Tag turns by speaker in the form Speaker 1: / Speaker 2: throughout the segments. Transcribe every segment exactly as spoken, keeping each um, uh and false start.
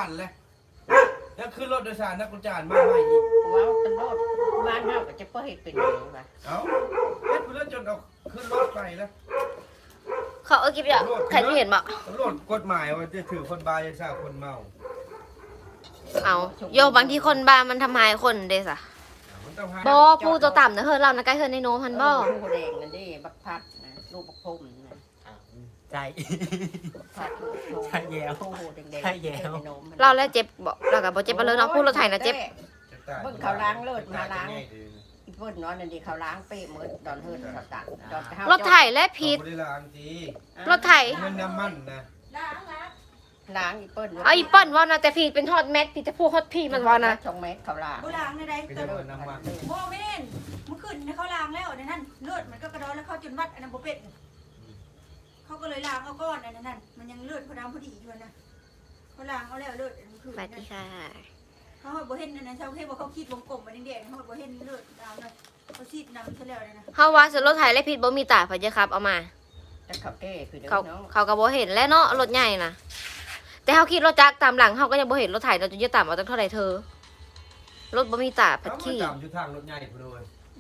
Speaker 1: านเลยแล้วขึ้นรถโดยสารนักกุญจานมาใหม่อีก
Speaker 2: ว้าวตำรวจบ้านเฮาก็จะเปิดเป็นอย่างไร
Speaker 1: เอ้าเฮ็ดเพื่อจนเอาขึ้นรถไปแล้ว
Speaker 3: เขาเอาคลิปอย่างใครที่เห็นบอก
Speaker 1: ตำรวจกฎหมายว่าจะถือคนบาจะทราบคนเมา
Speaker 3: เอาโยบางทีคนบ้ามันทำลายคนเด้สะ
Speaker 1: มันต้องหา
Speaker 3: บอผู้ตัวต่ำนะเฮ้ยเรานะใกล้เฮ้ยในโนพันบอ
Speaker 2: ผู้แดงนั่นดิบักพัดนะลูกบักพรมนะ
Speaker 4: ใจ
Speaker 2: พัดลูกพรม
Speaker 4: ใช่แย้ว
Speaker 2: โอ้โหแดงๆ
Speaker 4: ใช่แย้ว
Speaker 3: เราแล้วเจ็บบอกเรากับบอเจ็บไปเลยเนาะผู้รถไถนะเจ็บ
Speaker 2: เบิ่งเขาล้างเลิศมาล้างอีเพิ่นเนาะนั่นดิเขาล้างเป้หมดดอนเฮิร์นเขาตัดดอนเฮาร
Speaker 3: ถไถและพิษ
Speaker 1: บริลางที
Speaker 3: รถไถ
Speaker 1: มันน้ำมันนะ
Speaker 2: ล้างอีเปิ้ล
Speaker 3: เอาอีเปิ้ลว่านะแต่พีเป็นฮอตแม็กพี่จะพูดฮอตพี่มันว่านะ
Speaker 2: ชงเม็ดเขาล้าง
Speaker 5: โบราณในใด
Speaker 1: ก็
Speaker 5: เกิ
Speaker 1: จะ
Speaker 5: ด
Speaker 1: มันน้ำมัน
Speaker 5: โมเมนเมื่อคืนเขาล้างแล้วในนั้นเลือดมันก็กระดอนแล้วเขาจนวัดอันนั้นโบเป็ดเขาก็เลยล้างเอาก้อนอันนั้นมันยังเลือดเขาดำพอดีอยู่นะเขาล้างเอาแล้วเลือดเมื่อคืน
Speaker 3: สวัสดีค่ะ
Speaker 5: เขาโบเห็นอันนั้นเขาเห็นว่าเขาขีดวงกลมมาแดงๆเขาโบเห็นเลือดดำเลยเขาขีดนำซะแล้วนะ
Speaker 3: เฮาว่าสรถไถและพิษบ่มีตาพะเจ้าครับเอามา
Speaker 2: แต่เขาแก้คือเด้อ
Speaker 3: เขา
Speaker 2: เนาะ
Speaker 3: เขาก็บ่เห็นแล้วเนาะรถใหญ่นะแต่เฮาคิดรถจักรตามหลังเฮาก็ยังบ่เห็นรถไถเราจะยึดตามเอาตั้งเท่าไหร่เธอรถบ่มีตาพัด
Speaker 1: เขา
Speaker 3: ขี้
Speaker 1: จำอยู่ทางรถใหญ่พอดี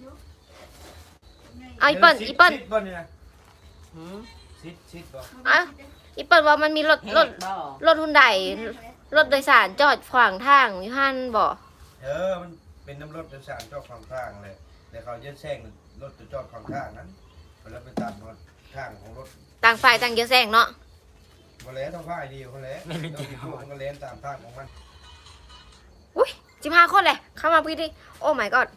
Speaker 3: เอาอีเปิ้ลอีเปิ้ล
Speaker 1: ซิดบ่เนี่ย
Speaker 2: หืม
Speaker 1: ซิดซิดบ่
Speaker 3: อ่ะอีเปิ้ลว่ามันมีรถ
Speaker 2: เฮ็
Speaker 3: รถ
Speaker 2: ดบ่
Speaker 3: รถฮุนไดรถโดยสารจอดขวางทางอยู่หั่นบ่
Speaker 1: เออมันเป็นน้ำรถโดยสารจอดขวางทางเลยแต่เขาจะแซงรถจะจอดขวางทางนั้นแล้วไปตัดรถทางของรถ
Speaker 3: ต่างฝ่ายต่างเยอะแซงเนาะ
Speaker 1: มาแล้วต้องพ่ายดีเขาแล้วต้องมีพวกมันก็เล่นตามทางของมัน
Speaker 3: อุ้ยสิบห้าคนเลยเข้ามาพี่ดิโอ้ my god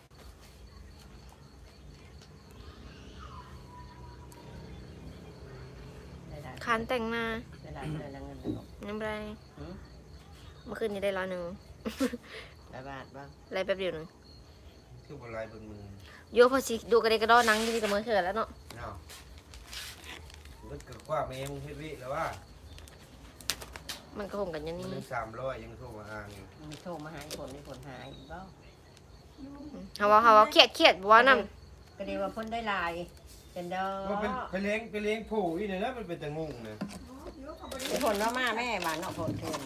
Speaker 2: ได้ได้
Speaker 3: คันแต่งหน้า
Speaker 2: ได้ได้ได้ได้เงินแล้ว
Speaker 3: น้ำไร
Speaker 2: หืม
Speaker 3: เมื่อคืนนี้ได้ร้อยหนึ่ง
Speaker 2: ได้บาทบ้าง
Speaker 3: ไรแป๊บเดียวหนึง
Speaker 1: คือบนลายบนมือ
Speaker 3: โยพอสิดูกระเดกกระดอนังยี่กับมือเถื่อนแล้วเนาะ
Speaker 1: เนาะรถเกิดว่าเมย์มึงเฮ็ดวิแล้วว่า
Speaker 3: มันก็คงกันอยัน
Speaker 1: มัน
Speaker 3: นี้
Speaker 1: ยังสามร้อยยังโทรมาอ่างอยู่
Speaker 2: มีโทรมาหาคนมีคนหายบ่
Speaker 3: เฮาว่าเฮาว่าเครียดเครียดบ่ว่านํ
Speaker 2: ก็ดีว่าเพิ่นได้ลายเป็นดอ
Speaker 1: ว่าเป็นไปเลี้ยงไปเลี้ยงผู้อีเนี่ยนะมันเป็นแต่งงนะ
Speaker 2: เป็นคนว่ามาแม่มาเนาะเพิ่นเพิ่น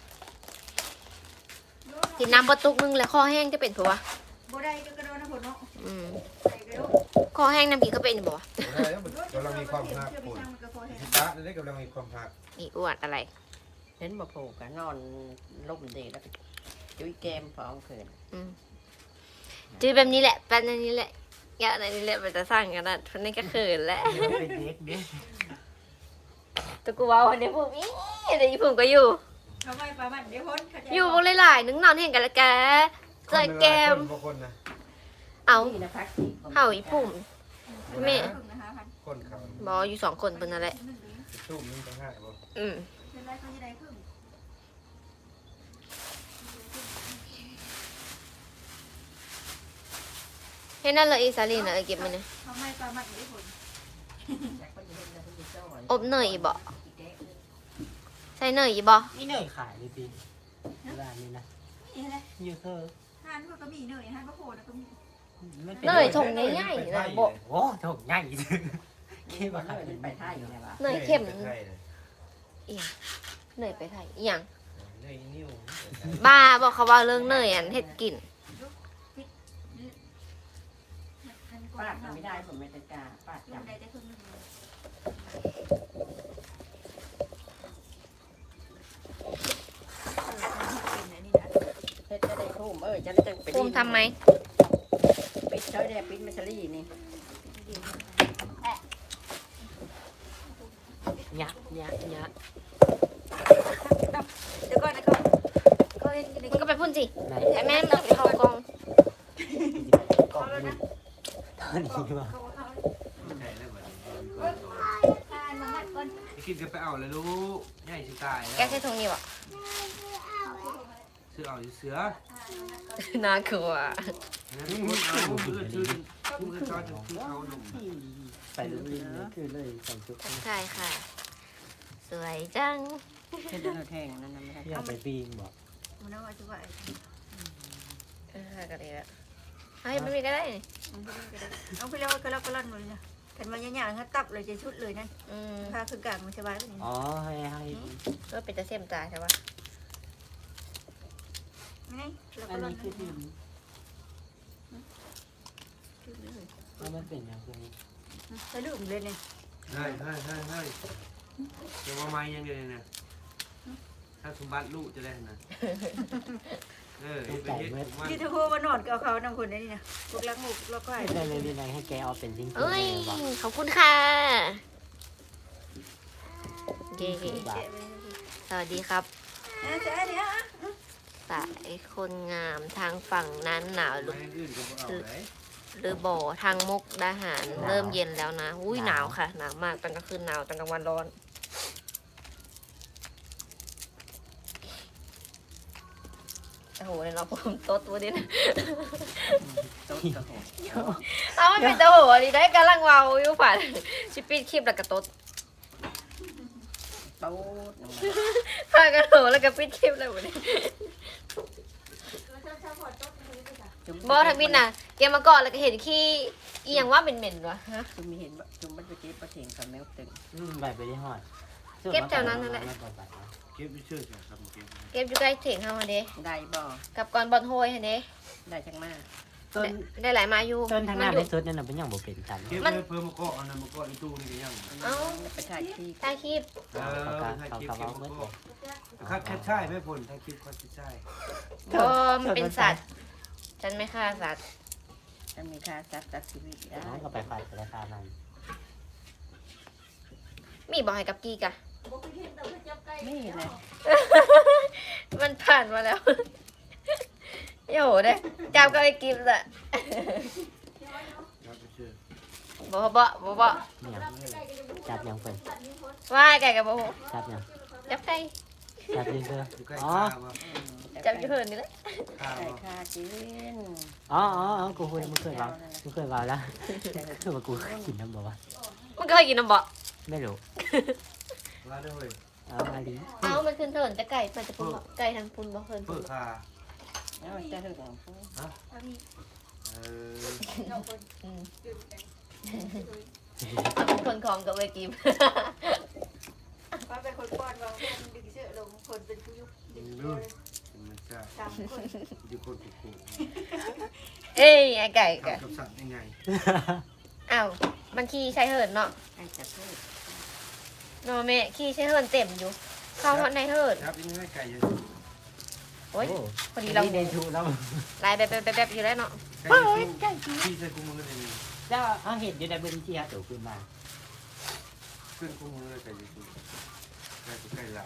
Speaker 3: กินน้ำบ่ตุกนึงแล้วคอแห้งจะเป็นผัวะ
Speaker 5: โบได้ก็กระโดดนะผมเนาะ
Speaker 3: อืม
Speaker 5: ใส่กระโดด
Speaker 3: คอแห้งน้ำกินก็เป็นบ่วะ
Speaker 1: ได้แล้วมันกำลังมีความหัก
Speaker 5: เชื่อไป
Speaker 1: ปุ่น
Speaker 5: ช่างมันก็พอเห็น
Speaker 1: ตาได้กำลังมีความหัก
Speaker 3: อีอ้วนอะไร
Speaker 2: เห็นบ่ผูกกันนอนล่มดีแล้วก็จุ้ยแก้มฟ้องคืน
Speaker 3: อืมจือแบบนี้แหละเป็นอันนี้แหละอย่าอันนี้แหละมันจะสร้างกันนะเพราะนี่ก็เขินแหละ
Speaker 4: เป็นเด็กเด็ก
Speaker 3: ตัวกูว่าวันนี้ผมอีเดี๋ยวอีผมก็อยู่
Speaker 5: เขาไม่ประมาณเดี๋ยวพ้นเขาจะ
Speaker 3: อยู่วงหลายๆนึงนอนเห็นกันละแกเจอแกม
Speaker 1: บางคนนะ
Speaker 3: เอา
Speaker 2: นี่นะพักสิ
Speaker 3: เห่าอีปุ่ม แม่
Speaker 5: ถึงนะคะพัน
Speaker 1: คนเขา
Speaker 3: บออยู่สองคนเป็นนั่นแหละ
Speaker 5: หนึ่งหรือ
Speaker 1: ตู้มันต้องห้าบ่
Speaker 3: อืม
Speaker 5: เป็นไรเขาจะได้ครึ่ง
Speaker 3: เห็นนั่นเลยอีสาลีนะเออเก็บมันเลย
Speaker 5: เขาไม่ประมาณเดี๋ยวพ้น
Speaker 3: อบเนยอีบ่ใส่เนยอีบ่
Speaker 4: นี่เนยขายเลยปีร้านนี้นะ
Speaker 5: นี่แหละ
Speaker 4: ยูเซอร์
Speaker 5: ทานก็มีเนยทานก็โผล่นะก็มี
Speaker 4: ไม่เป็น
Speaker 3: เนยถงง่ายๆนะบ่
Speaker 4: โอ้ถกง่ายคิดว่าขาย
Speaker 2: เป็นไปไทยไงวะ
Speaker 3: เนยเข้ม
Speaker 1: ใช่เลย
Speaker 3: อีหยังเนยไปไทยอีหยัง
Speaker 1: เนยนิ้ว
Speaker 3: บ้าบอกเขาว่าเรื่องเนยอันเฮ็ดกิน
Speaker 2: ปาดไม่ได้ผมไม่ตะกาปาด
Speaker 5: ยั
Speaker 2: จั
Speaker 5: ง
Speaker 2: บ
Speaker 5: ได้แต่ครึ่งนึงนี่นะ
Speaker 2: เฮ็ดจะได้ทุ่มเออจะได้ไป
Speaker 3: ภูมิทำไหม
Speaker 2: ปิดเช้าได้ปิดมัชลี่นี่
Speaker 4: ยักยักยัก
Speaker 5: เดี๋ยวก่อนนะก็ก็เห็นกันใน
Speaker 3: มันก็ไปพุ่นสิ
Speaker 4: ไหน
Speaker 3: ไอ้แม่มันเข้ากอง
Speaker 4: กล่องนี้ตอนนี้ว่า
Speaker 5: เขาเขา
Speaker 1: ใช่แล้วบัดนี้
Speaker 5: ทานมางัดก่อน
Speaker 1: ไอ้กินจะไปเอาเลยลูกใหญ่สิตาย
Speaker 3: แก
Speaker 1: แล้ว
Speaker 3: ใช้ถุงนี้บ่
Speaker 1: เสือเอาเสือ
Speaker 3: น่ากลัว
Speaker 1: นั่นคนเอาคือชื่อคือชอบจะคือเขาหนุ่ม
Speaker 4: ไปดูลิงนี่คือเลยสองชุด
Speaker 3: ใช่ค่ะ สวยจัง
Speaker 2: เฮ็ดแล้วแทงนั่นไม่ได้
Speaker 4: อยากไปปีงบอก
Speaker 5: มันเอาไว้จะว่า
Speaker 3: เออก็ดีแล้วให้ไม่มีก็ได้นี่
Speaker 5: เอาไปแล้วก็แล้วก็ลั่นหมดเลยนะกันมาหยาๆงั้นตับเลยจะชุดเลยนั่น
Speaker 3: อืม
Speaker 5: พาคือกลางมันสบายแบบนี้
Speaker 4: อ๋อให้ให้
Speaker 3: ก็เป็นตะเสียมตาใช่ปะ
Speaker 5: ไงแล้ว
Speaker 4: อั
Speaker 5: ก็
Speaker 4: น
Speaker 5: ร่อ
Speaker 4: นี้
Speaker 5: น
Speaker 4: คือทีมแล้วมันเป็นอย่างไร
Speaker 5: จะลืมเลยเนี่ย
Speaker 1: เฮ้ยเฮ้ยเฮ้ยเฮ้ยเดี๋ยวว่าไม้ยังเดียวเนี่ยถ้าสมบัติลูกจะได้นะเออไปเฮ็ดผมว่า
Speaker 5: ที่เธอพูดว่านอนกับเขาน้ำคนนี่นะพวกรักหมูพวกรักไก่
Speaker 4: ได้เลยดีไหนให้แกเอาเป็นจริงๆ
Speaker 3: เอ้ย
Speaker 4: บอก
Speaker 3: ขอบคุณค่ะเย้สวัสดีครับ
Speaker 5: นะจ๊ะเนี่ย
Speaker 3: สายคนงามทางฝั่งนั้นหนาวหรือ
Speaker 1: ไม้อื่นก็บ่เอาไหน
Speaker 3: หรือบ่อทางมุกดาหารเริ่มเย็นแล้วนะอุ้ยหนาวค่ะหนาวมากตอนกลางคืนหนาวตอนกลางวันร้อนโอ้โหเนี่ยเราผมโต๊ดตัวนี้นะ
Speaker 2: โต๊ะกระโห
Speaker 3: เอาไม่เป็นตัวหัวดีได้กำลังเวาอยู่ฝันชิปปี้คลิปแล้วก็โต๊ด
Speaker 2: โต๊ะ
Speaker 3: พากันโหแล้วก็ปิดคลิปแล้ววันนี้บอทำบินน่ะเกมมาก่อนแล้วก็เห็นขี้อีหยังว่าเหม็นๆวะฮะ
Speaker 2: จุ่มมีเห็นบ่จุ่มมันไปเก็บปลาเถียงกับแมวตึง
Speaker 4: อืมใบไปได้หอด
Speaker 3: เก็บแถวนั้นนั่นแหละ
Speaker 1: เก็บไม่เชื่อใช่ครับเก็บ
Speaker 3: เก็บอยู่ใกล้เถียงเฮาหั่นเด้
Speaker 2: ได้บ่
Speaker 3: กับก่อนบอลโฮยหั่นเด้
Speaker 2: ได้จังมาก
Speaker 4: ต้น
Speaker 3: ได้ได้หลายมาอยู่
Speaker 4: ต้นทางห
Speaker 3: มั
Speaker 4: น้า
Speaker 3: อ
Speaker 4: ใน
Speaker 3: ยู่
Speaker 4: สุดนั่นน่ะเป็นอย่างบ่เป็นกัน
Speaker 1: เก็บ
Speaker 3: มัน
Speaker 1: ไว้เพิ่มมะกอกอันนั้นมะกอกในตู้นี่ก็ยัง
Speaker 3: เอ้า
Speaker 2: ไปถ่ายที่
Speaker 3: ใต้คลิป
Speaker 1: เออถ่ายคลิปเก็บมะกอกคัดแค่ใช่ไม่ผลถ่ายคลิปคัดแค่ใช่
Speaker 3: บอมนเป็นสัตว์ฉันไม่ฆ่าสัตว์
Speaker 2: จะมีค่าจัดจัดชีวิตได้
Speaker 4: น้องก็ไปไฟไปราคามัน
Speaker 3: มีบอกให้กับกี้กะ
Speaker 2: นี่นะ
Speaker 3: มันผ่านมาแล้ว โย่เด้จับก็ไอ้กิฟต์อะ
Speaker 1: ครับไม่เชื่อ
Speaker 3: บอกบ่บอกบ่
Speaker 4: เนี่ยจับยังเป็น
Speaker 3: ว่าไก่กับบ่ฮู้
Speaker 4: จับยัง
Speaker 3: จับไก่
Speaker 4: จับยืนเถอะ
Speaker 1: อยู่ใกล้
Speaker 4: อ๋อ
Speaker 1: ข้าวอ่ะ
Speaker 3: จับอยู่เหินนี่แหละ
Speaker 1: ข้าว
Speaker 2: ใส่
Speaker 1: อ่ะ
Speaker 2: ค่ากิน
Speaker 4: อ๋ออ๋ออ๋อกูเคยมึงเคยเบามึงเคยเบาแล้วคือว่ากูกินน้ำบ่วะ
Speaker 3: มันก็เคยกินน้ำบ่
Speaker 4: ไม่รู้
Speaker 1: ลาด้วย
Speaker 4: เอามาดิ
Speaker 3: เอ้ามันขึ้นเถินจะไก่มันจะปุ่นบ่ไก่ทางปุ่นบ่เหิน
Speaker 1: เปิ
Speaker 3: ปุ่น
Speaker 1: ดคา
Speaker 2: แล้วจะถึงของผู้
Speaker 1: เออ
Speaker 3: อืมเป็นคนของกับเวกิม
Speaker 5: ว่าเป็นคนป้อนวางเพื่อนดึงเสื้อลงคนเป็นผู้ยุบดึง
Speaker 1: นี่
Speaker 5: ตั
Speaker 1: ลู
Speaker 5: ว
Speaker 1: กมันจะ
Speaker 5: สามคน
Speaker 1: อยู่คนผูกผูก
Speaker 3: เอ้ยไอ้ไก่กะ
Speaker 1: ทำกับสัตว์ยังไง
Speaker 3: อ้าวมันขี้ใช้เหินเนาะ
Speaker 2: ให้จัดเพื่อ
Speaker 3: เนาะแม่ขี้ใช้เหินเต็มอยู่ เข้าในเหิน
Speaker 1: ครับยังไงไก่ยัง
Speaker 3: โอ้ยพอดีเรา
Speaker 4: เดนชูแล้ว
Speaker 3: ลายแบบแบบแบบอยู่แล้วเนาะ
Speaker 1: ไก่ตู้ที่ใส่กุ้งมือเลย
Speaker 4: แล้วเอาเห็ดอยู่ในพื้นที่ฮะตัวขึ้นมา
Speaker 1: ขึ้นกุ้งมือไก่ยังไก่ไก่หลาย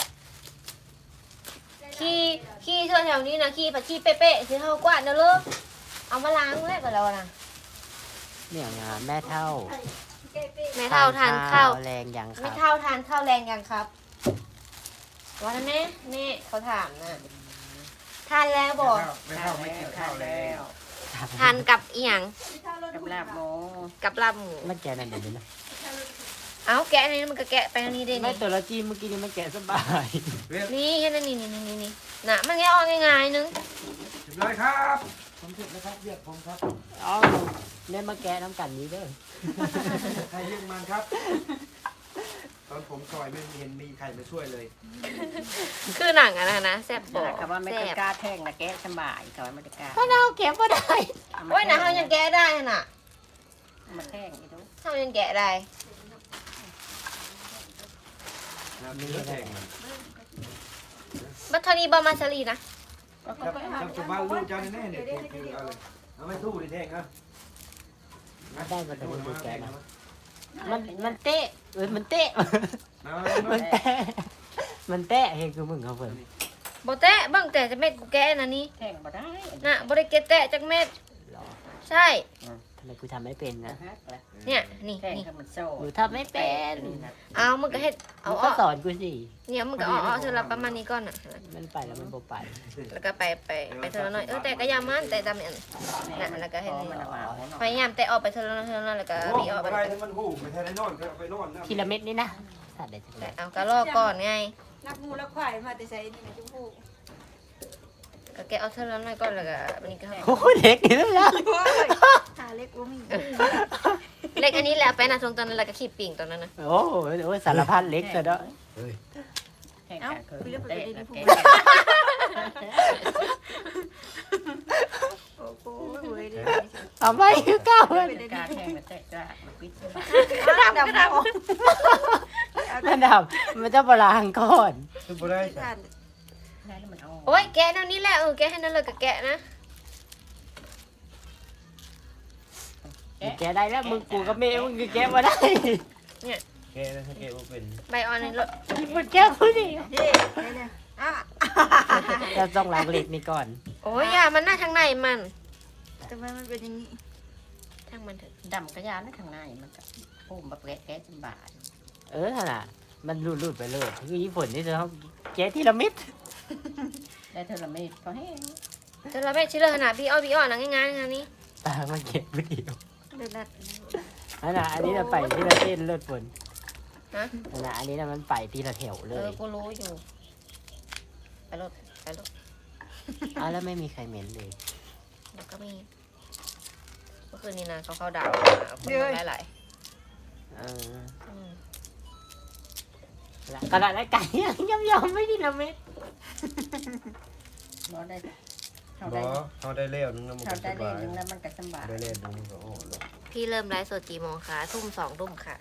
Speaker 3: ขี้ขี้เธอแถวนี้นะขี้ผัดขี้เป๊ะๆคือเท่ากวาดนะลูกเอามาล้างแล้วกับเรานะ
Speaker 4: เนี่ยงานแม่เท่า
Speaker 3: แม่เท่าทานข้าว
Speaker 4: แรงยังค
Speaker 3: ไม่
Speaker 4: รับ
Speaker 3: เท่าทานข้าวแรงยังครับวันนั้นแม่แม่เขาถามนะทานแล้วบอก
Speaker 1: ไม่เข้าไม่กินข้าวแล้ว
Speaker 3: ทานกับอีหยัง
Speaker 2: กับลาบหมู
Speaker 3: กับลาบหมู
Speaker 4: มันแกะนั่นเดี๋ยวนี้นะ
Speaker 3: เอ้าแกะอันนี้มันก็แกะไปอันนี้ได้
Speaker 4: ไม่
Speaker 3: นี่
Speaker 4: ตัวละจีนเมื่อกี้นี่มันแกะสบาย
Speaker 1: เรียบ
Speaker 3: นี่แค่นั้นนี่นี่นี่นี่นี่น่ะมันแค่ออกง่ายๆนึง
Speaker 1: ร้อยครับผมเสร็จแล้วครับเรียกผมครับ
Speaker 4: อ๋อเนี่ยมาแกะน้ำกันนี้เด้อ
Speaker 1: ใครเรียกมันครับ ตอนผมซอยไม่เห็นมีใครมาช่วยเลย
Speaker 3: คือหนังอะนะนะแซ่บบอก
Speaker 2: คำว่าไม่
Speaker 3: แซ่
Speaker 2: ต้อบ งกล้าแท่งนะแกสบายเขาไม่ได้กล้า
Speaker 3: เพราะเราแกะก็ได้โอ้ยนะเขายังแกะได้น่ะ
Speaker 2: มาแท่งอีกทุก
Speaker 3: เขายังแกะได้
Speaker 1: มีแข่ง
Speaker 3: บัตรนี้บอมาซารีนะ
Speaker 2: ก็
Speaker 1: จับ
Speaker 2: ไปหา
Speaker 1: จับจับบ้านลูกเจ้าแน่ๆเนี่ยคือเอาเลยเอาไม่สู้ดิแท่งอ่ะ
Speaker 4: ได้มาแต่มันดูแกะนะมันมันเตะเอ้ยมันเตะ
Speaker 1: นะ
Speaker 4: มันแตะมันแตะเฮ้ยคือมึงเขาเพิ่น
Speaker 3: บอแตะบ้างแต่จะเม็ดกูแกะนะนี่
Speaker 2: แท่งมาได้
Speaker 3: น่ะบริเกตแตะจากเม็ด
Speaker 4: หรอ
Speaker 3: ใช่
Speaker 4: ทำไมกูทำไม่เป็นนะ
Speaker 3: เนี่ยนี่
Speaker 2: แท่ง
Speaker 3: นี่
Speaker 2: ให้มันโซ่
Speaker 4: หนูทำไม่เป็น
Speaker 3: เอามึงก็เฮ็ดเอา
Speaker 4: มึง
Speaker 3: อ้
Speaker 4: ก็
Speaker 3: อ
Speaker 4: สอนกูสิ
Speaker 3: เนี่ยมึงก็เอาอ้อเธอรับประมาณนี้ก่อนน่ะ
Speaker 4: มันไปแล้วมันบ่ไป
Speaker 3: แล้วก็ไปไปไปเธอละหน่อยเออแต่ก็อยามันแต่ตามอันน่ะแล้วก็ให้
Speaker 2: มั
Speaker 3: นี่
Speaker 2: นเอามา
Speaker 3: พยายามแต่ออกไปเธอละหน่อยเธอละหน่อยแล้วก็
Speaker 1: โอ้
Speaker 3: มีออกไป
Speaker 1: อะไรมันหูไม่ใช่ได้นอนก็ไปนอนนะ
Speaker 4: ทีละเม็ดนี่นะสัตว์เด็ดจังเล
Speaker 3: แต่
Speaker 4: ย
Speaker 3: เอาก็ลอกก่อนไง
Speaker 5: รักงูรักควายมาแต่ใส่นี่นะจุ๊บ
Speaker 3: ก็แกเอาเธอละหน่อยก่อนแล้วก็อันนี้ก็
Speaker 4: โอ้โหเด็กนี่แล้วนะ
Speaker 5: หาเล็กว่ามี
Speaker 3: เล็กอันนี้แหละไปนะทรงตอนนั้นแล้วก็ขีดปิ่งตอนนั้นนะ
Speaker 4: โอ้โหโอ้ยสารพัดเล็กซะเด้อ
Speaker 2: แท่ง
Speaker 5: เอ้า
Speaker 2: กันคือ
Speaker 5: คุยเรื่องประ
Speaker 2: เตะ
Speaker 5: เด็น
Speaker 2: ละ
Speaker 5: นี้พู
Speaker 2: แก
Speaker 5: ด
Speaker 4: เอาไปคือเก่า
Speaker 2: เป็นกาแทงมาแตกกระมาปิดสบาย
Speaker 5: ดำดำออก
Speaker 4: มันดับมันจะบลางก่อน
Speaker 1: คือบ่ได้จ้ะ
Speaker 2: ได้แล้วมันเอา
Speaker 3: โอ้ยแกะแนวนี้แหละเออแกะให้นั่นเลยกับแกะนะ
Speaker 4: แกได้แล้วมึงกูกับเมย์มึงคือแกมาได้
Speaker 1: แกนะถ้าแกบ่เป็น
Speaker 3: ใบออนในรถ
Speaker 4: มันแกพูดดิ
Speaker 5: นี่เนี่ยอ่ะ
Speaker 4: จะต้องล้างเหล็กนี่ก่อน
Speaker 3: โอ้ยอย่ามันหน้าทางในมัน
Speaker 5: ทำไมมันเป็นอย่างนี้
Speaker 3: ทางมันเถอะ
Speaker 2: ดำกระยาในข้างในมันก็พุ่มมาแกะแกะสบาย
Speaker 4: เออขนาดมันรูดๆไปเลยคือญี่ปุ่นนี่จะต้องแกที่ละมิด
Speaker 2: ได้เท่าละเม็ดพอแห้ง
Speaker 3: เธอเราไม่ชิลเลยขนาดพี่อ้อพี่อ้อนะง่ายๆงานนี้
Speaker 4: ตามันเก็บไม่ดี
Speaker 5: เดือดนัด
Speaker 4: ขนาดอันนี้เราไปที่ละเส้นเลือดฝน
Speaker 3: ฮะ
Speaker 4: ขนาดอันนี้นะมันไปที่ละแถวเล
Speaker 3: เอย อกูรู้อยู่ไปรถไปรถ
Speaker 4: อ้าวแล้วไม่มีใครเหม็นเลย
Speaker 3: แล้วก็มีเมื่อคืนนี้นะเขาเข้าดาวคนมาหลาย
Speaker 4: เออ
Speaker 3: ๆอืม
Speaker 4: แล้วกระดาษและไก่ยังยอมๆไม่ทีละเม็ด
Speaker 2: บ่ได้เขา
Speaker 1: บ่
Speaker 2: ได้
Speaker 1: เฮาได้แล้วนึงแล้วมัน
Speaker 2: เขา
Speaker 1: ก็ส
Speaker 2: ได้เล่
Speaker 1: บาน ย
Speaker 2: นึงแล้วมันก็สบาย
Speaker 1: ได้แล้วนึงก็โอ้โห
Speaker 3: พี่เริ่มไลฟ์สดกี่โมงคะทุ่มสองทุ่มค่ะ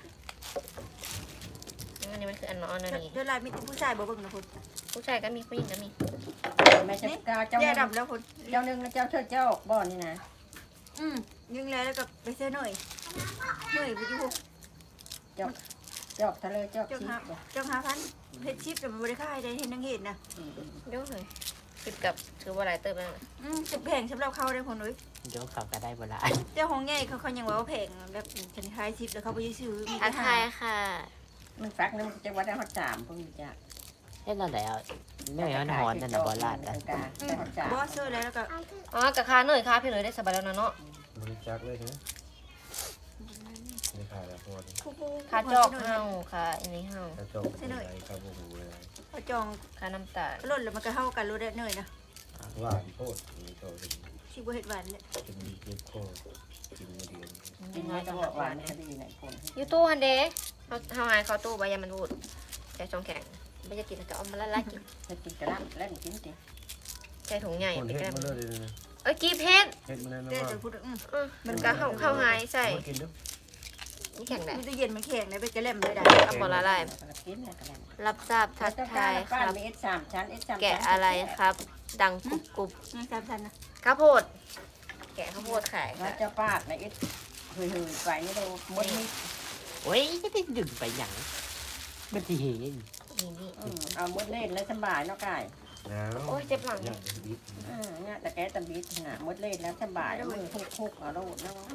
Speaker 3: อันนี้มันคืออันนอนอันนี้
Speaker 5: เดือดลายมีแต่ผู้ชายบ่เบิ่งนะคุณ
Speaker 3: ผู้ชายก็มีผู้หญิงก็มี
Speaker 2: แม่จะกาเจ้า
Speaker 5: แย่
Speaker 2: นึง
Speaker 5: ดำแล้วคุณ
Speaker 2: เจ้านึงแล้วเจ้าเชิดเจ้าบ่อนี่นะ
Speaker 5: อืมยิงแล้วแล้วก็ไปเส้นหน่อยหน่อยไปอยู่
Speaker 2: เจอกทะเลเจอก
Speaker 5: เจ้า
Speaker 2: ชี
Speaker 5: หา
Speaker 2: พบ่
Speaker 5: เจ้าหาพันเพชรชิปแต่มันบริค่ายได้เห็นนังเห็นนะ
Speaker 2: อืม
Speaker 3: เดี๋ยวเลยคิดกับถือว่าหลายเติมแล้วนะ
Speaker 5: อืมจะแพงสำหรับเขาได้คนเลย
Speaker 4: เดี๋ยวเขาก็ได้เวลา
Speaker 5: เจ้าของใหญ่เขาเขายังว่าว่าแพงแบบฉันคล้ายชิปแล้วเขาไปซื้อมี
Speaker 3: ทั
Speaker 5: แต่
Speaker 3: ก
Speaker 5: หา
Speaker 3: ทายค่ะ
Speaker 2: มันฟักนึงจะว่าได้ฮอดสามพวกนี้จ้ะ
Speaker 4: เฮ้ยนั่นแหละไม่เหมือนหอนนั่นนะบอลลาดนะ
Speaker 2: กาได้ฮอดสาม
Speaker 5: บอสเซอร์แล้วแล้วก็
Speaker 3: อ๋อกับคาเนยคาพี่เลยได้สบายแล้วนะเนาะ
Speaker 1: บริจาคเลยนะไม่ขายแล้วพอดี
Speaker 5: คู่คู่
Speaker 3: คาจอกเฮาคาอันนี้เฮา
Speaker 1: ถ้าจบเป็นไรครับโอ้โหเลย
Speaker 5: เขาจอง
Speaker 3: คาน้ำตาล
Speaker 5: ลดแล้วมันก็เท่ากันรู้ได้เนยนะ
Speaker 1: หวานโคตรนี่ก็เป็น
Speaker 5: ชิบเห็ดหวานเลย
Speaker 1: เป็นมีเก็บโคตรกินมาเดือน
Speaker 2: กินไม่ต้องบอกว่าคดีไหนคน
Speaker 3: อยู่ตู้ฮันเดเขาเฮาหายเขาตู้ใบยามันพูดใจชงแข็งไม่จะกินจะเอามาละลายกิน
Speaker 2: จะกินกระลังเล่นกินสิ
Speaker 3: ใจถุงใหญ่
Speaker 1: คน
Speaker 3: ไป
Speaker 1: เฮ็ด
Speaker 3: กัน
Speaker 1: มาเลยเลยนะ
Speaker 3: เอ้ยกีเพชร
Speaker 1: เฮ็ดมาเลยนะ
Speaker 5: เจ๊
Speaker 1: ว่า
Speaker 5: จะพูดอืม
Speaker 3: มันก็เข้าเข้าหายใส่
Speaker 1: มากินด้วย
Speaker 3: นี่แข็งแหละ
Speaker 5: มีตู้เย็นมันแข็งเลยไปกระเล่มเลยได้
Speaker 3: เอาบอละลาย
Speaker 2: กินกระลัง
Speaker 3: รับทราบทักทายค
Speaker 2: ป้า
Speaker 3: รับ
Speaker 2: มีเอสสามชั้นเอสสาม
Speaker 3: แกะอะไรครับ ดังกรุบกรุบ
Speaker 5: นี่สามชั้นนะ
Speaker 3: ข้าวโพด แกะข้าวโพดขาย
Speaker 2: ว่า
Speaker 3: ค่ะ
Speaker 2: เจ้าป้าในเอสเฮ้ยๆไปนี่เราหมดนี่
Speaker 4: โอ้ยจะได้ดึงไปหยังมันทีเห็น
Speaker 3: นี่นี่
Speaker 2: เอาหมดเล่นแล้วสบายเนาะกาย
Speaker 1: แล้ว
Speaker 3: โอ้ยเจ็บหลัง
Speaker 1: อยากจะดิบ
Speaker 2: อืมเนี่ยแต่แกตะบิดนะหมดเล่นแล้วสบายมือคุกๆเอาโลดเนาะ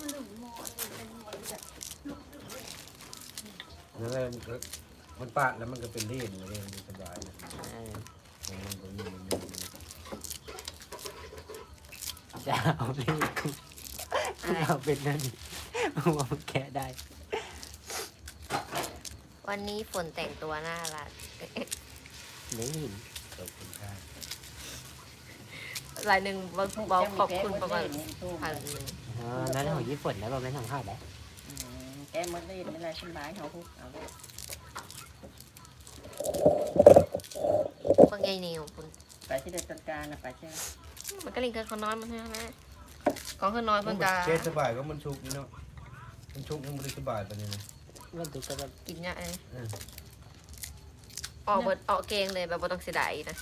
Speaker 1: นั่นแหละมันก็มันปาดแล้วมันก็เป็นเล่นเล่นสบายนะมันก็มีมันมี
Speaker 4: จะเอาเลขกูเราเป็นนั่นว่ามันแกะได้
Speaker 3: วันนี้ฝนแต่งตัวน่ารัก
Speaker 4: ไม่เห็น
Speaker 1: ขอบคุณค่ะ
Speaker 3: รายหนึ่งบอกบอกขอบคุณประมาณพันหนึ่ง
Speaker 4: อ๋อนั่นของญี่ปุ่นแล้วเราไม่ทำข้าวได้
Speaker 2: แกหมดเล่นอะไรสบายเขาคุกเอาโลด
Speaker 3: บางใหญ่เหนียวคุณ
Speaker 2: ไปที่เด็ดจัดการนะไปเช่น
Speaker 3: มันก็ลิงเกินคนน้อยมันใช่ไหมกองคนน้อยเพิ่งกา
Speaker 1: เจ๊สบายก็มันชุกนี่เนาะมันชุกยังไม่ได้สบายปานนี้นะ
Speaker 4: มันดูก็แบบ
Speaker 3: กินเนี่ยเองออกเบิดออกเกงเลยแบบบ่ต้องเสียดายนะ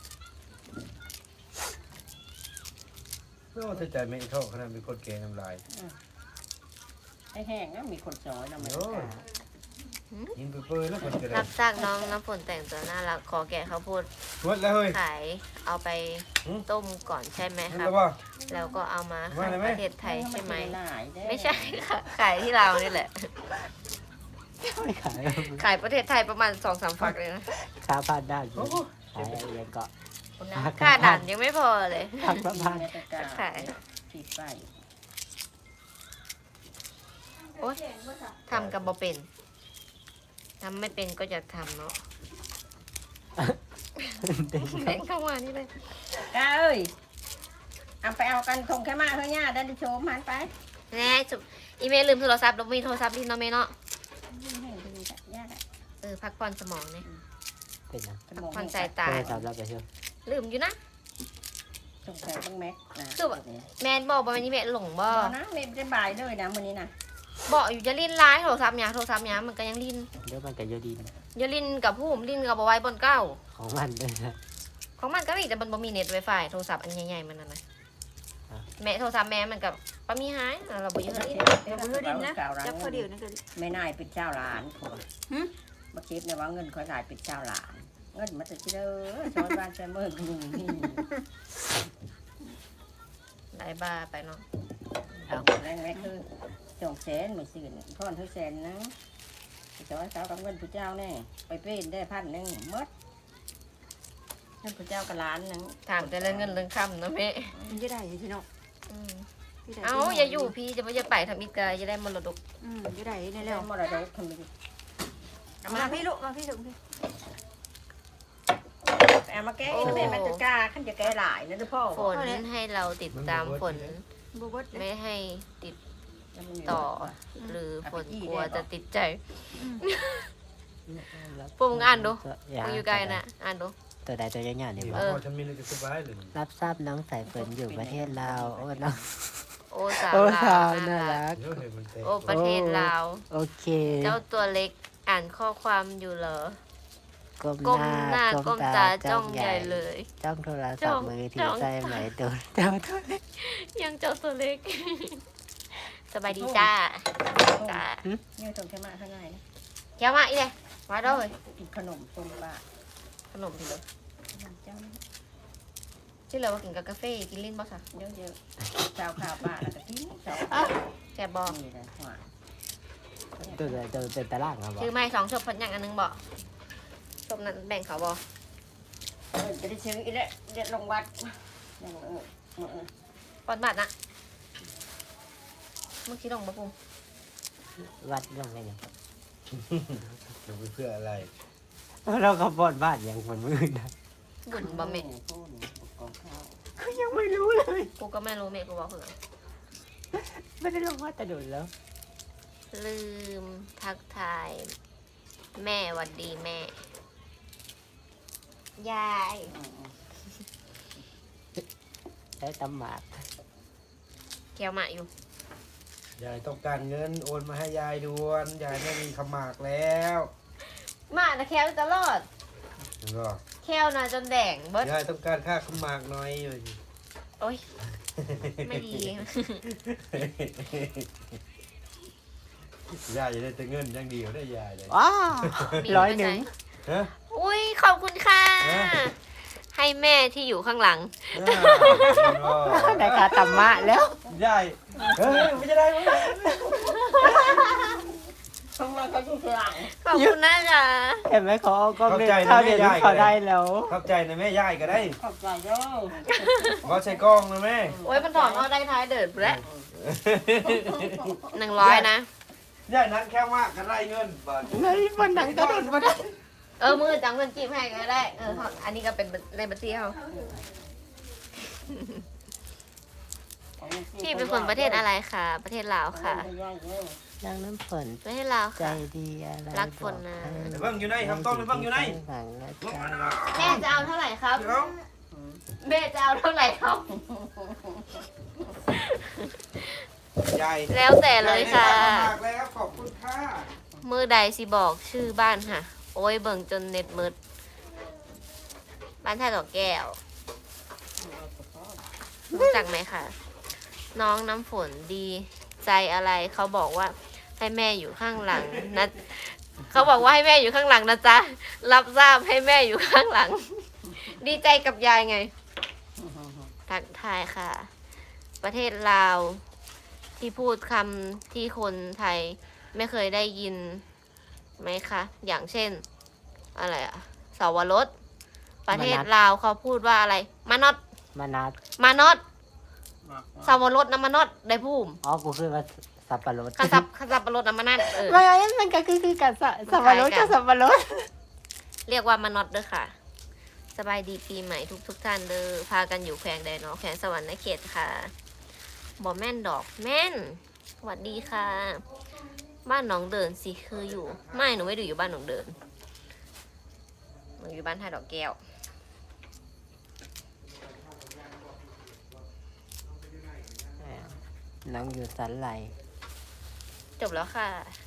Speaker 1: เพื่อว่าใจไม่เท่าขนาดเป็นคนแกงน้ำลาย
Speaker 2: ไอ้แห้งก็มีคนซอยนะมัน
Speaker 1: ยิงไปเปื่อยแล้วคนจะได้
Speaker 3: รับทราบน้องน้ำฝนแต่งตัวน่ารักขอแกะข้าวโพด
Speaker 1: ชวดแล้วเฮ้ย
Speaker 3: ขายเอาไปต้มก่อนใช่ไหม
Speaker 1: นั่น
Speaker 3: ครับ
Speaker 1: แล้วว่า
Speaker 3: แล้วก็เอามา
Speaker 1: ว่า
Speaker 3: ขาย
Speaker 1: อะไรไหม
Speaker 3: ประเทศไทยใช่ไหม
Speaker 2: หลายเด้
Speaker 3: ไม่ใช่ค่ะขายที่เราวนี่แหละ
Speaker 4: ไม่ขาย
Speaker 3: ขายประเทศไทยประมาณสองสามฝักเลยนะ
Speaker 4: ค่าพานได้อยู่ขายอะไรยังก็
Speaker 3: ค่าด่านยังไม่พอเลย
Speaker 4: พักประพาน
Speaker 2: ขายสีไฟ
Speaker 3: โอ๊ยทำกับบ่เป็นทำไม่เป็นก็จะทำเนาะแบ่งเข้ามานี่เลย
Speaker 2: ก้าเอ้ยเอาไปเอากันคงแค่มาเฮ้ยย่าได้ดิโชมหันไป
Speaker 3: แน่จุบอีเมลลืมโทรศัพท์แล้วมีโทรศัพท์ดินเนาะเมเนาะ
Speaker 2: ย่าได้
Speaker 3: เออพักผ่อนสมองเนี่ย
Speaker 4: เป็นนะ
Speaker 3: พักผ่อนสายตา
Speaker 4: โทรศัพท์เราไปเชื่อ
Speaker 3: ลืมอยู่นะ
Speaker 2: โทสงสัยต้องแม็กนะ
Speaker 3: คือแบบ แม่นบอกว่าวันนี้แม่หลงบ่
Speaker 2: บ่นะเม็ดได้บ่ายเลยนะมื้อนี้นะ
Speaker 3: บอกอยู่จะลิ้นร้ายโทรศัพท์หยาโทรศัพท์หยามันก็ยังลิ้น
Speaker 4: เดี๋ยวมันก็อยู่ดีนะ
Speaker 3: อย่าลิ้นกับผู้ผมลิ้นกับบไว้บนเก้า
Speaker 4: ของมันด้วยนะ
Speaker 3: ของมันก็มีแต่มันบ่มีเน็ตไวไฟโทรศัพท์อันใหญ่ๆมันนั่นนะแม่โทรศัพท์แม่มันกับป้ามีหายเราบ่อยืนลิ้น
Speaker 5: เดี๋ยวมือดินนะจับพอเดียวนะกัน
Speaker 2: ไม่นายเป็นเจ้าหลานผัวมาคิดนะว่าเงินคอยหลายเป็นเจ้าหลาน เงินมาจากที่เด้อชาวบ้านชาวเมืองนี่นี่
Speaker 3: หลายบ้าไปเนาะ
Speaker 2: เอาแรงแม็กคือสองแสนไม่สื่นพ่อนเท่าแสนนะชาวบ้านชาวกับเงินผู้เจ้าแน่ไปเป็นได้พันหนึ่งมดเงินผู้เจ้ากับล้านหนึง
Speaker 3: ถามแต่เรื่องเงินเรื่องคำนะแม่
Speaker 5: มันจะได้ใช่เนาะ
Speaker 3: อืมเอาอย่าอยู่พี่จะไม่จะไปทำอีกกายจะได้มรดก
Speaker 5: อืมจะได้ใน
Speaker 2: แล้
Speaker 5: แล้ว ว
Speaker 2: มรดกทำไม
Speaker 5: มาพี่ลูกมาพี่ส่งพี่
Speaker 2: เอามาแก้แล้วแม่มันจะกล้าขั้นจะแก้หลายนะทุกพ่อ
Speaker 3: ฝนให้เราติดตามฝน
Speaker 5: บูบดเลย
Speaker 3: ไม่ให้ติดต่อ หรือฝนกลัวจะติดใจพวกมึงอ่านดูมึงอยู่ไกลนะอ่านดู
Speaker 4: ตัวใดตัวใหญ่ๆนี่
Speaker 1: เดี๋ยว
Speaker 4: บ่
Speaker 1: พอฉันมีอะไรจะสบายเลย
Speaker 4: รับทราบน้องสายฝนอยู่ประเทศลาวโอ้น้อง
Speaker 3: โอ้สาว
Speaker 4: โอ้
Speaker 3: ลา
Speaker 4: สาว
Speaker 3: ว
Speaker 4: น่า
Speaker 3: น่ารัก
Speaker 4: รัก
Speaker 1: เดี๋ยวเห็นมันเตะ
Speaker 3: โอ้ประเทศลาว
Speaker 4: โอเค
Speaker 3: เจ้าตัวเล็กอ่านข้อความอยู่เหรอ
Speaker 4: ก้ม
Speaker 3: ก้ม
Speaker 4: ห
Speaker 3: ห
Speaker 4: น้า
Speaker 3: น้าก้มตาจ้องใหญ่เลย
Speaker 4: จ้องโทร
Speaker 3: จ้
Speaker 4: ศัพ
Speaker 3: อง
Speaker 4: ท์มือถื
Speaker 3: จ้
Speaker 4: อ
Speaker 3: อง
Speaker 4: ใส่ไหมตัวเจ้าตัวเล็ก
Speaker 3: ยังเจ้าตัวเล็ก สบายดีจ้าจ้า
Speaker 2: เนี่ยส่งแค่มาข้างในนะ
Speaker 3: แก้วมาอีเลยมาด้วย
Speaker 2: กินขนมส้มบ้า
Speaker 3: ขนมพี่เลย
Speaker 2: เจ้า
Speaker 3: ชื่ออะไรว่ากินกับกาแฟกินลิ้นบ่ค่ะ
Speaker 2: เยอะเยอะๆชาวข่าวบ้าแล้วก็กินชาว
Speaker 3: แกบอก
Speaker 2: นี่เลยหวาน
Speaker 4: ตัวใดตัวเป็นตารางครับบ่
Speaker 3: ชื่อไม่สองชบพันอย่างอันนึงบอกชบนั้นแบ่งเขาบอก
Speaker 2: เออจะได้ซื้ออีกแล้วเด็ดลงวัดยังเออเออเออ
Speaker 3: ปอนบาทนะเมื่อกี้ลงมาปุ่ม
Speaker 4: วัดลงไปเนี่ย
Speaker 1: จะไปเพื่ออะไร
Speaker 4: เราก็บอดบ้านอย่างคนมืดนะ
Speaker 3: บุญบ่เม
Speaker 2: โอ้โหกองข้าว
Speaker 4: ก็ยังไม่รู้เลย
Speaker 3: กูก็ไม่รู้เมกูบอกเผื่อ
Speaker 4: ไม่ได้ลงวัดแต่โดดแล้ว
Speaker 3: ลืมทักทาย แม่หวัดดีแม่ ยาย
Speaker 2: อืม
Speaker 4: ใช้ตำหมาก
Speaker 3: แก้วมาอยู่
Speaker 1: ยายต้องการเงินโอนมาให้ยายด่วนยายไม่มีขมากแล้ว
Speaker 3: มานะแก้วตลอด
Speaker 1: แล้วก็
Speaker 3: แก้วนะจนแดงเบิด
Speaker 1: ยายต้องการค่าขมากหน่อยอยู่
Speaker 3: โอ้ยไม่ดี
Speaker 1: ยายจะได้แต่เงินอยังเดียวได้ยายเลย
Speaker 4: ว้าว
Speaker 3: มี
Speaker 4: ร้อย
Speaker 3: ไว้
Speaker 4: หนึ่ง
Speaker 3: ใ
Speaker 1: ฮะ
Speaker 3: อุ้ยขอบคุณค่ะ
Speaker 1: ฮะ
Speaker 3: ให้แม่ที่อยู่ข้างหลัง
Speaker 4: ได้ค่าตำหมะแล้ว
Speaker 1: ยายเฮ้ยไม่จะได้ไม่ได้
Speaker 2: ข้างล่างเขาอยู่ข้างหลัง
Speaker 3: ขอบคุณนะจ๊ะ
Speaker 4: เห็นไหมเขาเอากล้องเล่นข้าวเดียวเขาได้แล้ว
Speaker 1: เข้าใจนะแม่ยายก็ได้
Speaker 2: ขอบใจเด้อ
Speaker 1: ขอใช้กล้องนะแม่
Speaker 3: โอ้ยมันถอนเอาได้ท้ายเดิดแล้วหนึ่งร้อยนะ
Speaker 1: ยายนั้นแค่ว่ากันไรเงินบาท
Speaker 4: ในวันนั้นก็โดดมาได้
Speaker 3: เออมือจังเงินจีบให้ก็ได้เอออันนี้ก็เป็นในบัญชีเขาพี่เป็นคนประเทศอะไรคะประเทศลาวค่ะ
Speaker 4: นางน้ำฝน
Speaker 3: ประเทศลาว
Speaker 4: ใจ
Speaker 3: ค่ะ
Speaker 4: ดีอะไร
Speaker 3: รักฝนนะ
Speaker 1: เดี๋ยวเบิ่งอยู่ไหนทำต้นเดี๋ยวเบิ่งอยู่ไหน
Speaker 4: หวังนะจ๊ะ
Speaker 3: แม่จะเอาเท่าไหร่ครับ
Speaker 1: เดี๋ยว
Speaker 3: แม่จะเอาเท่าไหร่ครับ
Speaker 1: ยาย
Speaker 3: แล้วแต่เลยค่ะ
Speaker 1: ยายได้มากแล้วขอบคุณค่ะ
Speaker 3: มือใดสิบอกชื่อบ้านค่ะ โอ้ยเบิ่งจนเน็ตมืดบ้านท่าดอกแก้วรู้จักไหมคะน้องน้ำฝนดีใจอะไรเขาบอกว่าให้แม่อยู่ข้างหลังนะเขาบอกว่าให้แม่อยู่ข้างหลังนะจ๊ะรับทราบให้แม่อยู่ข้างหลัง ดีใจกับยายไงทักทายค่ะ ประเทศลาวที่พูดคำที่คนไทยไม่เคยได้ยินไหมคะ อย่างเช่น อะไรอะสาวรสประเทศลาวเขาพูดว่าอะไร มานอด
Speaker 4: มานัด
Speaker 3: มานอดสาวรสน้ำมานอดได้พูม
Speaker 4: อ๋อกูคือว่าสับปะรด
Speaker 3: ขันสับขันสับปะรดน้ำมันนั่นเออ
Speaker 4: ไม่งั้นมันก็คือคือกับสับสับปะรดกับสับปะรด
Speaker 3: เรียกว่ามานอดเด้อค่ะ สบายดีปีใหม่ทุกทุกๆท่านเด้อพากันอยู่แขวงใดเนาะแขวงสวรรค์เขตค่ะบอแม่นดอกแม่นสวัสดีค่ะ บ้านหนองเดินสิคืออยู่ ไม่หนูไม่ได้อยู่บ้านหนองเดินหนูอยู่บ้านท่าดอกแก้ว
Speaker 4: น้องอยู่สันไหล
Speaker 3: จบแล้วค่ะ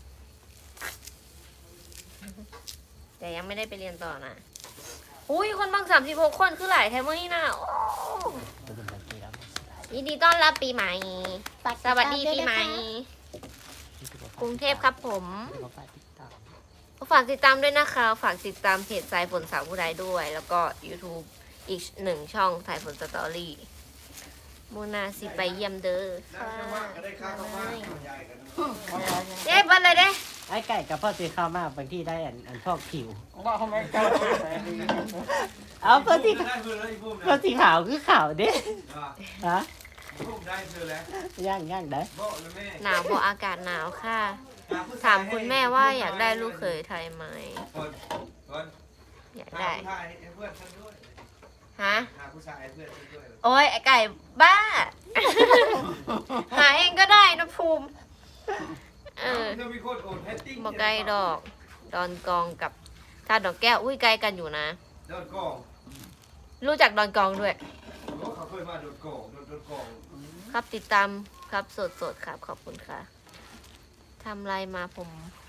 Speaker 3: แต่ยังไม่ได้ไปเรียนต่อนะอุ้ยคนบางสามสิบหกคนคือหลายแทมเมอร์นี่นะโอ้
Speaker 4: ตัวเป็นแบบนี้แล้ว
Speaker 3: ยินดีต้อนรับปีใหม่ สวัสดีปีใหม่ กรุงเทพครับผม ฝากติดตามด้วยนะคะ ฝากติดตามเพจสายฝนสาวผู้ใดด้วย แล้วก็ YouTube อีกหนึ่งช่องสายฝนสตอรี่โมนาสิไปเยี่ยมเด้อค่ะเย้บันเลยเด้
Speaker 4: ไอ้ไก่กับพ่อสีข้าวมากบางที่ได้อันอันพอกผิว
Speaker 2: ว่าทำไมเจ้า
Speaker 4: เอาพ่อสี
Speaker 1: ได้เพื่อนแล้วอีพุ่ม
Speaker 4: พ่อสีขาวคือขาวเด้ฮะ
Speaker 1: พุ่มได้เพื่อนแล้ว
Speaker 4: ย่างย่างได้
Speaker 1: บอกเลยแม่
Speaker 3: หนาวเพราะอากาศหนาวค่ะ ถามคุณแม่ว่าอยากได้ลูกเขยไทยไหม
Speaker 1: คนคน
Speaker 3: อยาก
Speaker 1: หา
Speaker 3: ได้
Speaker 1: ผู้ชายให้เพื่อนฉันด้วย
Speaker 3: ฮะ
Speaker 1: หาผู้ชายให้เพื่อนฉันด้วย
Speaker 3: โอ้ยไอไก่บ้า หาเองก็ได้นะภูมิ เออ
Speaker 1: เธอมีคนโอนแฮตติ้ง
Speaker 3: บอกไกลดอก ดอนกองกับท่าดอกแก้ว อุ้ยไกลกันอยู่นะ
Speaker 1: โดนกอง
Speaker 3: รู้จักดอนกองด้วย
Speaker 1: โอ้เขาเคยมาโดนกองโดนโดนกอง
Speaker 3: ครับติดตามครับสดสดๆครับขอบคุณค่ะทำไรมาผม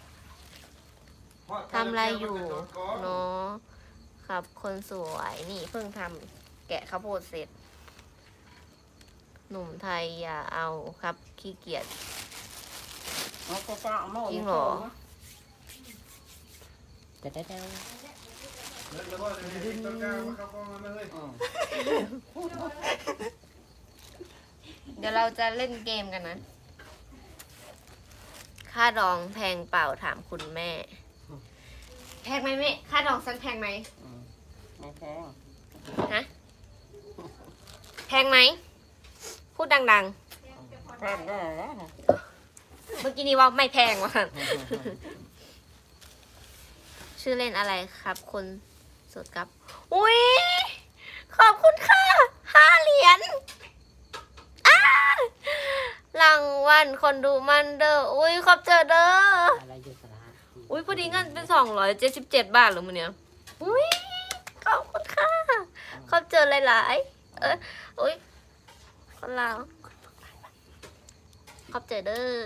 Speaker 3: ทำไรอยู่เนาะครับคนสวยนี่เพิ่งทำแกะข้าวโพดเสร็จ หนุ่มไทยอย่าเอาครับขี้เกียจ จริงเหรอ
Speaker 4: จะได้ได้
Speaker 1: แล้วก็จะมีต้นกล้ามาเข้ากองมาเลย
Speaker 3: เดี๋ยวเราจะเล่นเกมกันนะ ค่าดองแพงเปล่าถามคุณแม่ แพงไหมแม่ค่าดองฉันแพงไหม
Speaker 2: ไม่แพง
Speaker 3: ฮะ แพงไหม พูดดัง
Speaker 2: แพงได้แล้ว
Speaker 3: ๆ เมื่อกี้นี้ว่าไม่แพงว่ะ ชื่อเล่นอะไรครับคนสดครับ อุ้ย ขอบคุณค่ะห้าเหรียญอ้ารางวัลคนดูมันเด้อ อุ้ยขอบเจอเด้อ
Speaker 4: อะไรอยู่สระ
Speaker 3: อุ้ยพอดีเงินเป็นสองร้อยเจ็ดสิบเจ็ดบาทเหรือมึงเนี่ยอุ้ยขอบคุณค่ะขอบเจอหลายๆ เอออุ้ยคนลาวขอบเจอเด้อ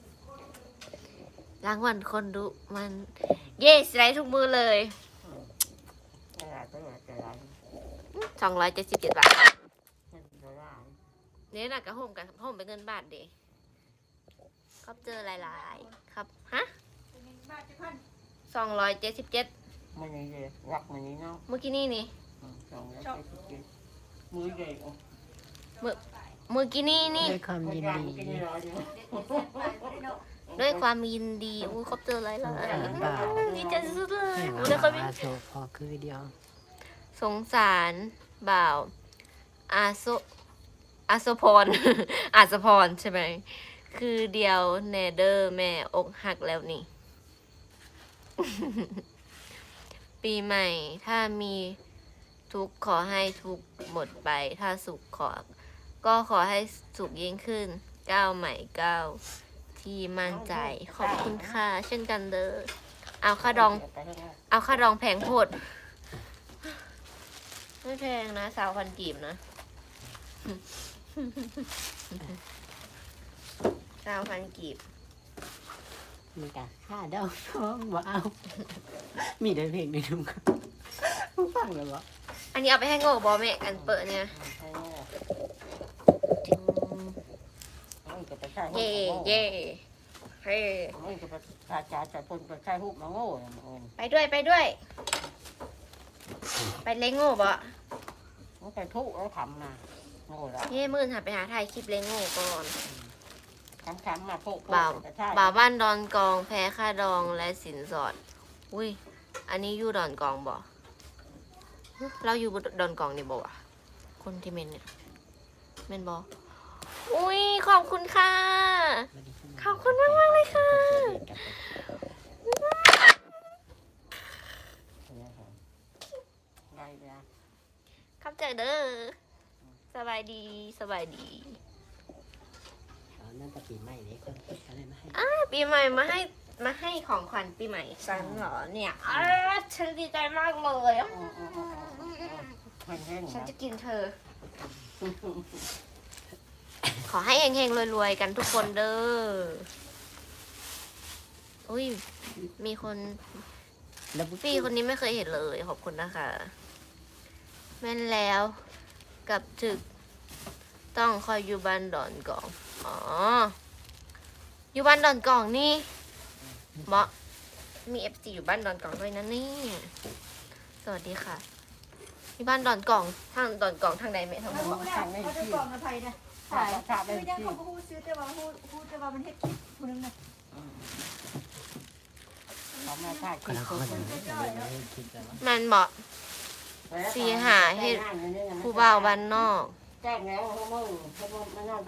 Speaker 3: รางวัลคนดูมัน เย่สไลด์ทุกมือเลย
Speaker 2: อะไรก็อยากจะร้าน
Speaker 3: สองร้อยเจ็ดสิบเจ็ดบาท
Speaker 2: เงินจะร้าน
Speaker 3: เนี่ยนะกับโฮมกับโฮมเป็นเงินบาทเด้ขอบเจอหลายๆ ครับ ฮะ
Speaker 5: บาทจะพัน
Speaker 3: สองร้อยเจ็ดสิบเจ็ด
Speaker 2: มันนี่เลยรักมันนี่เนาะ
Speaker 3: เมื่อกี้นี่นี่
Speaker 2: สองร้อยเจ็ดสิบเจ็ดมือใหญ่โอ้
Speaker 3: เมื่อกี้นี่นี่
Speaker 4: ด้วยความยินดี
Speaker 5: เด็ดเด็ดไปไม่ได้เนาะ
Speaker 3: ด้วยความยินดีอู้ครบเจอหลายหลาย
Speaker 4: บ่าว
Speaker 3: ดีใจสุดๆเลย
Speaker 4: ให้
Speaker 3: อู้
Speaker 4: มา
Speaker 3: แล้วก็มี
Speaker 4: อาโซพอคือเดียว
Speaker 3: สงสารบ่าว อาโซอาโซพร อาสพรใช่ไหม คือเดียวเนเดอร์แม่อกหักแล้วนี่ ปีใหม่ ถ้ามีทุกข์ขอให้ทุกข์หมดไป ถ้าสุขขอ ก็ขอให้สุขยิ่งขึ้น ก้าวใหม่ก้าวที่มั่นใจ ขอบคุณค่ะ เช่นกันเด้อ เอาค่าดอง เอาค่าดองแพงโพด ไม่แพงนะสาวพันกีบนะ สาวพันกีบ
Speaker 4: มีกะค่าดอกท้องบ่เอา มีได้เพลงในนุ่มครับฟังแล้วบ่
Speaker 3: อันนี้เอาไปให้โง่บอแม่อันเปิดเนี่ย เย่เย่เฮ้
Speaker 2: มันจะไปกาจ่าจ่าคนก็ใช้หุบมาโง่
Speaker 3: ไปด้วยไปด้วย ไปเล้งโง่บอ
Speaker 2: มันไปทุกแล้วทำมาโง่แล้ว
Speaker 3: เย่มื่นหาไปหาถ่ายคลิปเล้งโง่ก่อน
Speaker 2: ทำทำมาพวก
Speaker 3: บ่าวบ่าวบ้านดอนกองแพ้ค่าดองและสินสอด อุ้ย อันนี้อยู่ดอนกองบ่เราอยู่ดอนกองนี่บ่วะคนที่เมนเนี่ยเมนบออุ้ยขอบคุณค่ะ ขอบคุณมากมากๆเลยค่ะ
Speaker 2: ได้แล้ว
Speaker 3: ครับเจอเด้อสบายดีสบายดี
Speaker 4: นั่นแต่ปีใหม่นี้คนคิดอะไรมาให้
Speaker 3: อ้าปีใหม่มาให้มาให้ของขวัญปีใหม่ฉันเหรอเนี่ยอ้าฉันดีใจมากเลยอ่ะ
Speaker 2: มันเล่น
Speaker 3: ฉัน
Speaker 2: นะ
Speaker 3: จะกินเธอขอให้เฮงๆรวยๆกันทุกคนเด้ออุ้ยมีคน
Speaker 4: แล้ว
Speaker 3: พี่คนนี้ไม่เคยเห็นเลย ขอบคุณนะคะ แม่นแล้วกับถึกต้องคอยอยู่บ้านดอนกองอ๋ออยู่บ้านดอนกองนี่เหมาะมีเอฟซีอยู่บ้านดอนกองด้วยนะนี่สวัสดีค่ะที่บ้านดอนกองทางดอนกองทางใดไหมทาง
Speaker 5: เขา
Speaker 3: บน
Speaker 5: พูดได้เขาจะกล่องอภัยนะ
Speaker 2: ขาดขาดไป
Speaker 5: คือยัง
Speaker 2: ที่
Speaker 5: เขาพูดซื้อแต่ว่าพูดพูดแต่ว่ามันเฮ็ดคลิปผู้นึงนะ
Speaker 2: เขามาถ่ายค
Speaker 4: ค
Speaker 2: ลิ
Speaker 4: น
Speaker 2: ป
Speaker 4: ละคนเลยคิดแต่ว่า
Speaker 3: มันเหมาะ สีหาเฮ็ด ผู้บ่าวบ้านนอก
Speaker 2: แจ้งแล้วเขามึงเขามึงมันนอน